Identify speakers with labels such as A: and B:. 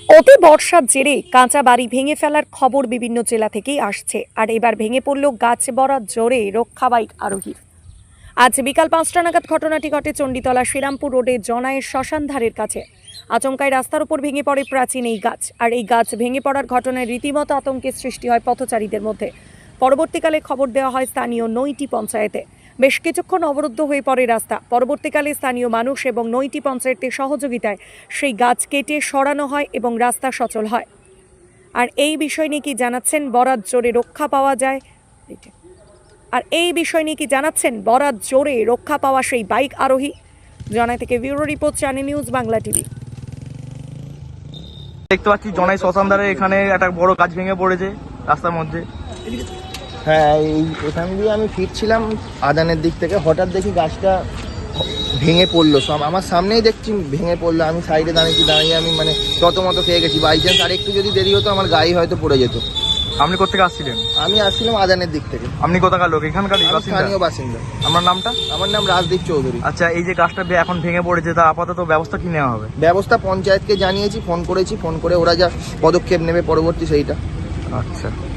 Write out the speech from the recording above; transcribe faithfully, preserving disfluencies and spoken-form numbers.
A: অতি বর্ষার জেরে কাঁচা বাড়ি ভেঙে ফেলার খবর বিভিন্ন জেলা থেকেই আসছে। আর এবার ভেঙে পড়ল গাছ বরাত জোরে রক্ষা বাইক আরোহীর। আজ বিকাল পাঁচটা নাগাদ ঘটনাটি ঘটে চণ্ডীতলা শ্রীরামপুর রোডে জনায়ের শ্মশান ধারের কাছে। আচমকায় রাস্তার উপর ভেঙে পড়ে প্রাচীন এই গাছ। আর এই গাছ ভেঙে পড়ার ঘটনায় রীতিমতো আতঙ্কের সৃষ্টি হয় পথচারীদের মধ্যে। পরবর্তীকালে খবর দেওয়া হয় স্থানীয় নয়টি পঞ্চায়েতে। বেশ কিছুক্ষণ অবরুদ্ধ হয়ে পড়ে রাস্তা। পরবর্তীকালে স্থানীয় মানুষ এবং নয়টি পঞ্চায়েতের সহযোগিতায় সেই গাছ কেটে সরানো হয় এবং রাস্তা সচল হয়। আর এই বিষয় নিয়ে কি জানাচ্ছেন বরাত জোরে রক্ষা পাওয়া যায় আর এই বিষয় নিয়ে কি জানাচ্ছেন বরাত জোরে রক্ষা পাওয়া সেই বাইক আরোহী। জনাই থেকে bureau report, channel news Bangla TV.
B: দেখতে পাচ্ছি জনাই শ্মশানধারে এখানে একটা বড় গাছ ভেঙে পড়েছে রাস্তার মধ্যে।
C: হ্যাঁ, এই এখান দিয়ে আমি ফিরছিলাম আদানের দিক থেকে, হঠাৎ দেখি গাছটা ভেঙে পড়লো। সব আমার সামনেই দেখছি ভেঙে পড়লো। আমি সাইডে দাঁড়িয়েছি, দাঁড়িয়ে আমি মানে যত মতো খেয়ে গেছি। বাই চান্স আর একটু যদি দেরি হতো আমার গায়ে হয়তো পড়ে যেত।
B: আপনি কোথেকে আসছিলেন?
C: আমি আসছিলাম আদানের দিক থেকে।
B: আপনি কোথাকার লোক? এখানকার
C: আমি স্থানীয় বাসিন্দা।
B: আমার নামটা?
C: আমার নাম রাজদীপ চৌধুরী।
B: আচ্ছা, এই যে গাছটা এখন ভেঙে পড়েছে তা আপাতত ব্যবস্থা কি নেওয়া হবে?
C: ব্যবস্থা পঞ্চায়েতকে জানিয়েছি, ফোন করেছি, ফোন করে ওরা যা পদক্ষেপ নেবে পরবর্তী সেইটা।
B: আচ্ছা।